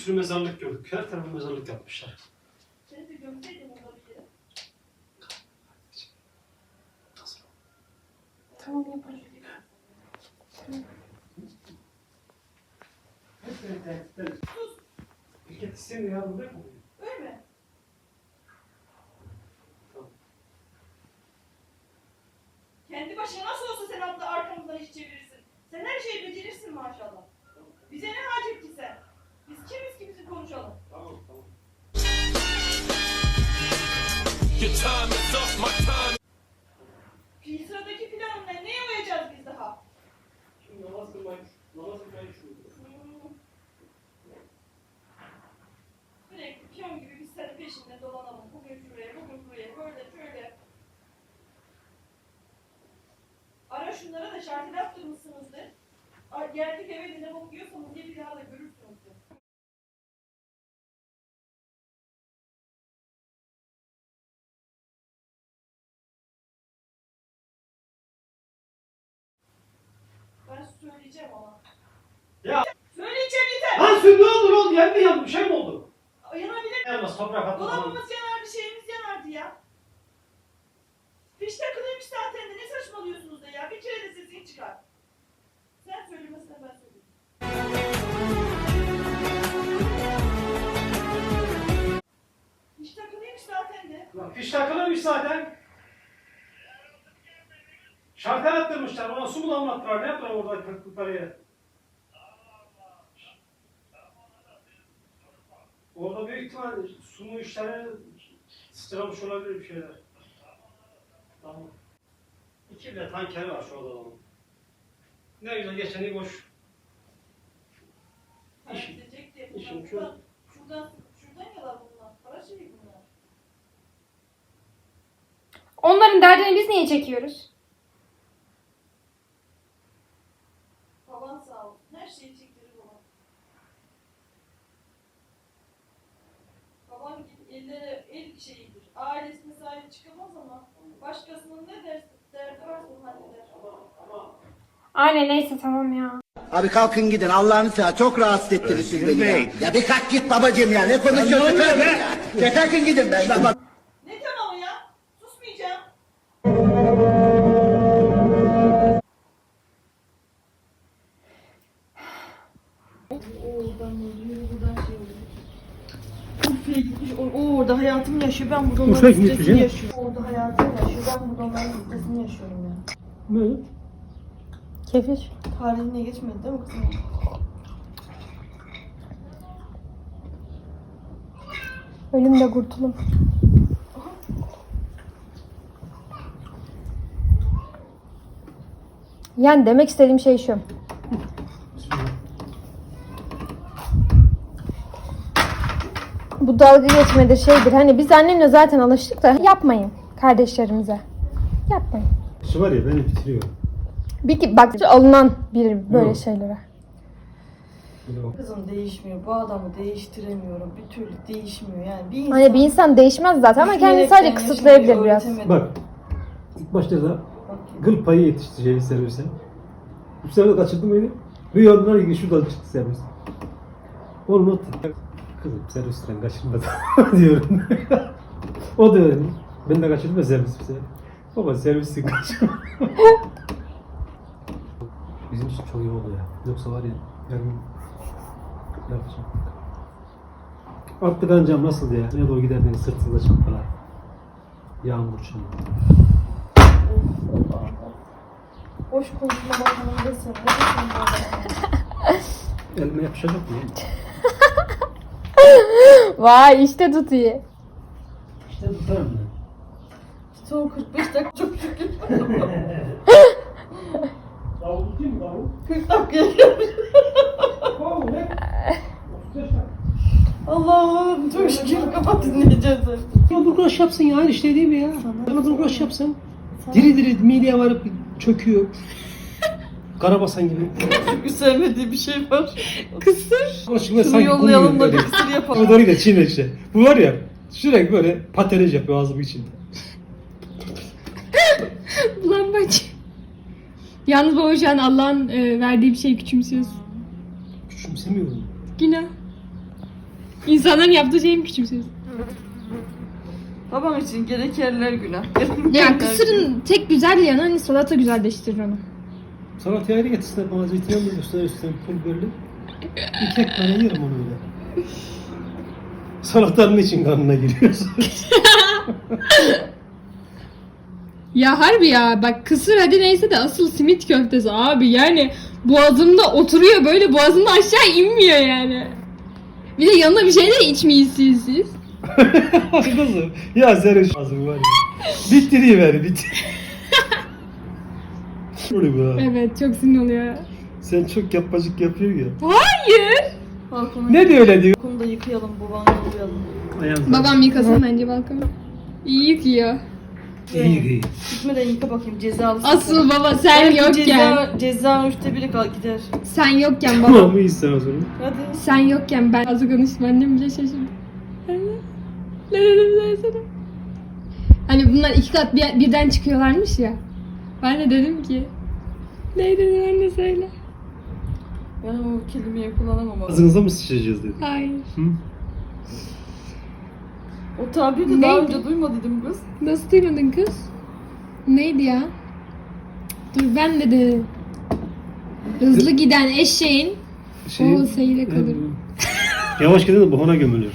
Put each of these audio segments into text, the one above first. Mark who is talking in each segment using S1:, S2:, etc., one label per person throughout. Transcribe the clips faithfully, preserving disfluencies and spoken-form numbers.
S1: sürü mezarlık gördük. Her tarafı mezarlık yapmışlar.
S2: Seni de gömseydim orada bir yere.
S3: Tamam yaparım.
S1: Evet, evet, evet. Sus! Pirket istemiyor ya, buraya mı?
S2: Öyle mi?
S1: Tamam.
S2: Kendi başına nasıl olsa sen abla arkamızdan iş çevirirsin. Sen her şeyi becerirsin maşallah. Bize ne hacet ki sen? Biz kimiz ki bizi konuşalım.
S1: Tamam, tamam.
S2: Fi sıradaki planın ne? Neye uyacağız biz daha?
S1: Şimdi namaz kılmayı, namaz kılmayı düşünüyorum.
S2: Hmm. Sürekli piyon gibi biz senin peşinde dolanalım. Bugün şuraya, bugün buraya, böyle şöyle. Ara şunlara da şarkı yaptırmışsınızdır. Ay, geldik eve de ne bok yiyorsanız diye bir daha da görürsünüz. de. Ben söyleyeceğim ama.
S1: Ya!
S2: Söyleyeceğim yeter!
S1: Lan sen ne olur oğlum? Yer mi yandı? Bir şey mi oldu?
S2: Yanabilir.
S1: Yanmaz, toprak attı.
S2: Dolabımız yanardı, şeyimiz yanardı ya. Fiş takılıymış zaten de ne saçmalıyorsunuz da ya? Bir kere de sesin çıkar. Sen söylemesine ben söyleyeyim. Fiş takılıymış zaten de.
S1: Lan fiş takılıymış zaten. Şartel attırmışlar. Ona su mu damlattılar? Ne yaptılar orada kırklıkları yere? Orada büyük ihtimal su mu işleri sıçramış olabilir bir şeyler. Tamam. İki bile tankeri var şu odada. Ne güzel geçeni boş.
S2: Para
S1: İşim.
S2: gidecek diye
S1: işim
S2: bunlar.
S1: şu.
S2: Şuradan, şuradan, şuradan yalar bunlar. Para şeyi bunlar.
S3: Onların derdini biz niye çekiyoruz?
S2: Baban sağ olsun. Her şeyi çektirir baba. Baban gibi ellere el şeyidir. Ailesine sahip çıkamaz ama başkasının ne der, derdi varsa onu halleder.
S3: Aynen neyse tamam ya.
S4: Abi kalkın gidin Allah'ını seversen çok rahatsız ettiniz siz beni ya. Ya bir kalk git babacığım ya ne konuşuyorsun be? Ya kalkın gidin be. Ben bak.
S2: Ne tamamı ya? Susmayacağım. Oradan yürü, buradan şey oluyor. Urfa'ya gitmiş, o, o orada hayatımı yaşıyor, ben burada
S1: Urfa'ya
S2: onların
S1: gitmiş
S2: stresini
S1: ya.
S2: yaşıyorum. Orada hayatımı yaşıyor, ben burada onların stresini yaşıyorum ya.
S1: Ne?
S3: Kefir.
S2: Tarihine geçmedi değil mi kızım?
S3: Ölüm de kurtulum. Yani demek istediğim şey şu. Bu dalga geçmedir şeydir. Hani biz annemle zaten alıştık da yapmayın kardeşlerimize. Yapmayın.
S1: Şu var ya beni bitiriyor.
S3: Bir ki bak alınan bir böyle
S1: Yok.
S3: şeylere.
S2: Kızım değişmiyor, bu adamı değiştiremiyorum, bir türlü değişmiyor yani. Bir insan...
S3: Hani bir insan değişmez zaten ama kendini sadece
S2: Düşünerekten
S3: kısıtlayabilir
S2: yaşamayı
S3: biraz.
S2: öğretemedim.
S1: Bak. İlk başta da gıl payı yetiştireceği servise. Bu sefer de kaçırdım beni. Rüyalar ilgili şuradan çıktı servis. Olmadı. Kızım servisten kaçırmadı diyorum. O da öyle. Ben de kaçırdım ya servis bir sefer. Baba servisten kaçırma. Bizim için çok iyi oldu ya. Yoksa var ya yarın yapacağım. Artık ancam nasıl ya? Ne doğru giderdiniz sırtınızda çantalar. Yağmur çamur.
S2: Boş konuşma bakalım desene. Ne diyorsun bu adama?
S1: Elime yapışacak mı?
S3: Vay işte tutuyor.
S1: İşte tutarım ben.
S2: Son kırk beş dakika çok şükür.
S1: Davul değil mi davul?
S2: kırk dakikaya gelmiş.
S1: Davul ne? otuz beş dakika.
S2: Allah'ım çok şükür kapat dinleyeceğiz.
S1: Bana burgulaş yapsın ya aynı şey değil mi ya? Bana burgulaş yapsın. Diri diri mideye varıp çöküyor. Karabasan gibi.
S2: Çünkü sevmediği bir şey var. Kısır.
S1: Şunu
S2: Şunu yollayalım da bir kısır yapalım.
S1: Bu doğru da çiğne işte. Bu var ya sürekli böyle patenaj yapıyor ağzımın içinde.
S5: Ulan bacı. Yalnız baba şu an Allah'ın e, verdiği bir şeyi küçümsüyorsun.
S1: Küçümsemiyorum.
S5: Günah. İnsanların yaptığı şeyi mi küçümsüyorsun?
S2: Babam için gerek yerler günah.
S5: Ya kısırın tek güzel yanı hani salata güzelleştirir onu.
S1: Salatayı ayrı getirsinler bana zeytinyağlı üstüne üstüne pul biberli. Bir tek tane yerim onu öyle. Salatanın için kanına giriyorsun.
S5: Ya harbi ya bak kısır hadi neyse de asıl simit köftesi abi yani boğazımda oturuyor böyle boğazımda aşağı inmiyor yani. Bir de yanına bir şey de içmiyorsunuz siz.
S1: Kızım ya senin ağzın var ya. Bitiriver bitir. Öyle bu ha.
S5: Evet çok sinir oluyor.
S1: Sen çok yapmacık yapıyor ya.
S5: Hayır.
S2: Balkonu,
S1: Ne diyor öyle diyor?
S2: balkonu da yıkayalım, babanı yollayalım.
S1: Ayağım
S5: Babam yıkasın bence balkonu. İyi yıkıyor.
S1: İyi iyi.
S2: Gitmeden yıka bakayım cezalı.
S5: Asıl baba sen yokken.
S2: Ceza, ceza üçte biri kal gider.
S5: Sen yokken baba.
S1: Tamam mıyız sen o zaman?
S2: Hadi.
S5: Sen yokken ben az konuştum annem bile şaşırdı. Ne ne dedim ben sana? Hani bunlar iki kat bir, birden çıkıyorlarmış ya. Ben de dedim ki. Ne dedin anne söyle.
S2: Ben o kelimeyi kullanamam ama.
S1: Ağzınıza mı sıçacağız dedi.
S5: Hayır.
S1: Hı?
S2: O tabiri de daha
S5: Neydi?
S2: önce duymadıydım kız.
S5: Nasıl duymadın kız? Neydi ya? Dur ben de dedim. Hızlı giden eşeğin
S1: Şey,
S5: o seyre kalır.
S1: Yavaş gidin de bahana gömülür.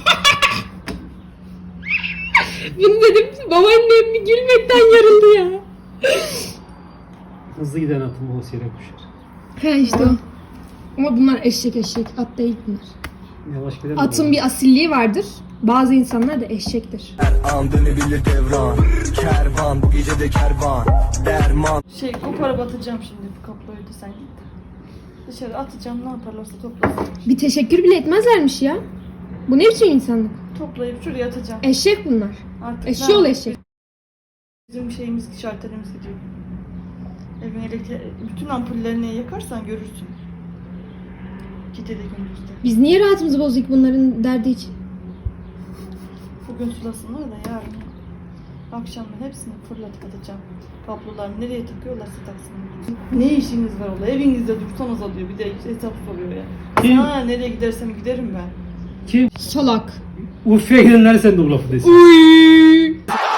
S5: Bunu dedim babaannem bir gülmekten yarıldı ya.
S1: Hızlı giden atım o seyre koşar.
S5: He işte o. Ama bunlar eşek eşek. At değil bunlar.
S1: Yavaş giden de
S5: Atın
S1: bahana.
S5: bir asilliği vardır. Bazı insanlar da eşektir.
S6: An dönebilir devran. Kervan bu gece de kervan. Derman.
S2: Şey koparıp atacağım şimdi bu kapları da sen git. Dışarı atacağım ne yaparlarsa toplasın.
S5: Bir teşekkür bile etmezlermiş ya. Bu ne biçim insanlık?
S2: Toplayıp şuraya atacağım.
S5: Eşek bunlar.
S2: Artık
S5: Eşeğoğlu
S2: ne-
S5: eşek.
S2: Bizim şeyimiz şartelimiz gidiyor. Evin elektrik, bütün ampullerini yakarsan görürsün. Gece de gündüzde.
S5: Biz niye rahatımızı bozduk bunların derdi için?
S2: Bugün sulasınlar da yarın akşamdan hepsini fırlatıp atacağım. Kablolar nereye takıyorlarsa taksınlar. Ne işiniz var orada? Evinizde dursanız alıyor. Bir de hesap soruyor ya.
S1: Kim?
S2: Ha, nereye gidersem giderim ben.
S1: Kim?
S5: Salak.
S1: Urfa'ya gidenler sen de bu lafı desin.
S5: Uy.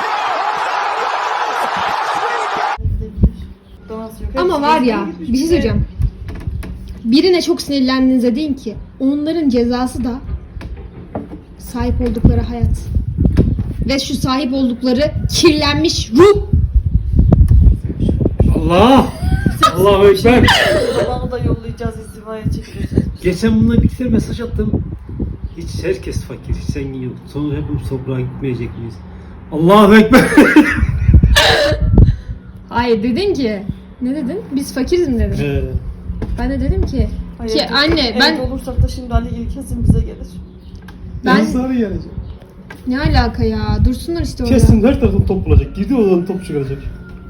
S2: Gidebilir. Danası yok.
S5: Ama
S2: Hepsi
S5: var
S2: gezmeye
S5: ya
S2: gitmiş.
S5: bir şey söyleyeceğim. Birine çok sinirlendiğinizde deyin ki onların cezası da sahip oldukları hayat. Ve şu sahip oldukları kirlenmiş ruh.
S1: Allah! Allahu Ekber!
S2: Babamı da yollayacağız, izdivaya çekileceğiz.
S1: Geçen bununla bir kere mesaj attım. Hiç herkes fakir, hiç zengin yok. Sonra hepimiz toprağa gitmeyecek miyiz? Allahu Ekber!
S5: Hayır dedin ki ne dedin? Biz fakiriz mi dedin?
S1: Ee,
S5: Ben de dedim ki
S2: Hayır,
S5: ki anne ben
S2: evde olursak da şimdi Ali Gil kesin bize gelir.
S5: ben
S1: sarı gelecek.
S5: ne alaka ya? Dursunlar işte orada.
S1: Kesin her taraftan top bulacak. Girdi odadan top çıkaracak.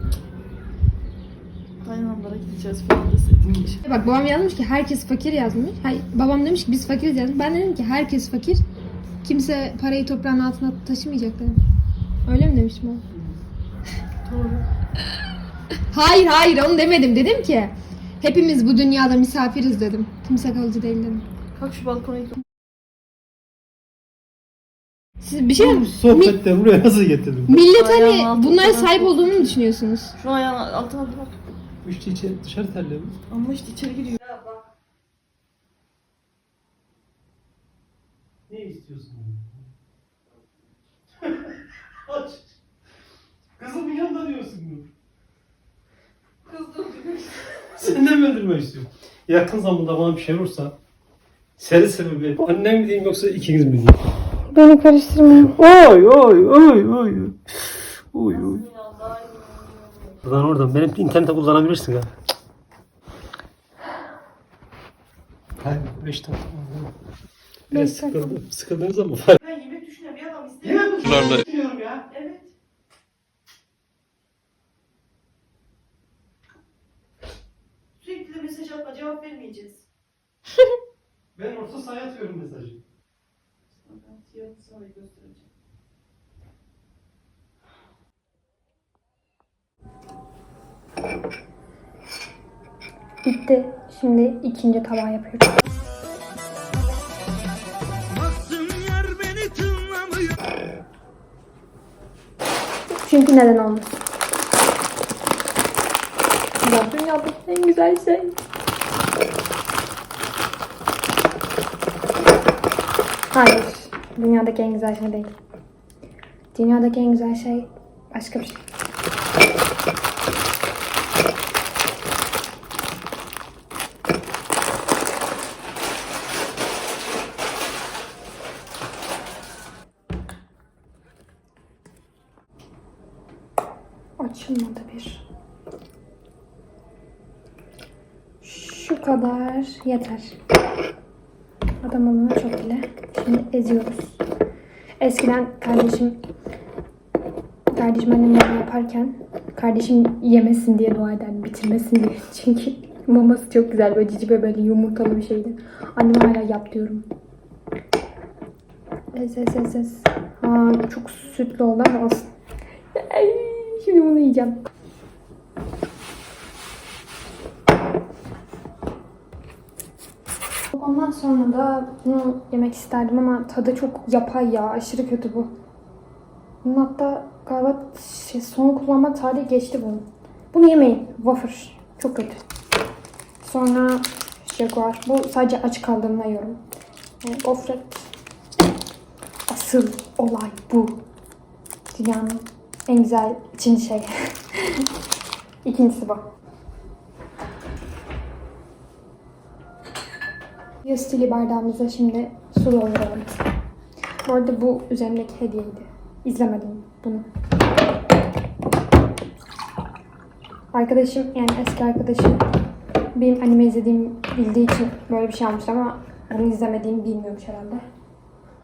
S2: Kayınamlara gideceğiz falan deseydik.
S5: Bak babam yazmış ki herkes fakir yazmış. Hayır, babam demiş ki biz fakiriz yazmış. Ben dedim ki herkes fakir. Kimse parayı toprağın altına taşımayacak dedim. Öyle mi demiştim o?
S2: Doğru.
S5: Hayır hayır onu demedim. Dedim ki hepimiz bu dünyada misafiriz dedim. Kimse kalıcı değil dedim.
S2: Kalk şu balkona git.
S5: Siz bir şey mi?
S1: Bu sohbetler buraya nasıl getirdin?
S5: Millet
S2: Ayağın
S5: hani
S2: altı
S5: bunlara
S2: falan
S5: sahip
S2: çok-
S5: olduğunu mu düşünüyorsunuz?
S2: Şu ayağın altına bir bak.
S1: İşte içeri, dışarı terliyor.
S2: Ama işte içeri giriyor.
S1: Ne istiyorsun? Aç. Kızımın yanında diyorsun bunu.
S2: Kızdım.
S1: Sen de mi öldürmek istiyorsun? Yakın zamanda bana bir şey olursa seni sebebi annem mi diyeyim yoksa ikiniz mi diyeyim?
S5: Beni karıştırmayın.
S1: Oy oy oy oy. Oy oy. Buradan oradan benim internete kullanabilirsin ha. Hayır beş dakika. Biraz
S5: Beş dakika.
S1: sıkıldım. Sıkıldınız ama.
S2: Ben yemek düşünen bir adam istemiyorum.
S1: Yemek düşünüyorum ya.
S2: Evet. Sürekli de mesaj atma, cevap vermeyeceğiz.
S1: Ben orta sahaya atıyorum mesajı.
S2: Ben siyahını sana göstereceğim.
S3: Bitti. Şimdi ikinci tabağı yapıyorum.
S4: Bıktım
S3: Çünkü neden olmasın? Bu dünyadaki en güzel şey. Hayır. Dünyadaki en güzel şey değil. Dünyadaki en güzel şey başka bir şey. Açılmadı bir. Şu kadar yeter. Adam olana çok bile. Şimdi eziyoruz. Eskiden kardeşim kardeşim annem yemeği yaparken kardeşim yemesin diye dua ederdim. Bitirmesin diye. Çünkü maması çok güzel. Böyle cici ve böyle yumurtalı bir şeydi. Annem hala yap diyorum. Ez ez ez ez. Ha, çok sütlü oldu ama olsun. Ay, şimdi bunu yiyeceğim. Ondan sonra da bunu yemek isterdim ama tadı çok yapay ya. Aşırı kötü bu. Bunun hatta galiba şey, son kullanma tarihi geçti bunun. Bunu yemeyin. Wafer. Çok kötü. Sonra Jaguar. Bu sadece aç kaldığımda yiyorum. Yani gofret. Asıl olay bu. Dünyanın en güzel üçüncü şey. İkincisi bu. Yastili bardağımıza şimdi su dolduralım. Bu arada bu üzerimdeki hediyeydi. İzlemedim bunu. Arkadaşım, yani eski arkadaşım benim anime izlediğimi bildiği için böyle bir şey almıştı ama bunu izlemediğimi bilmiyormuş herhalde.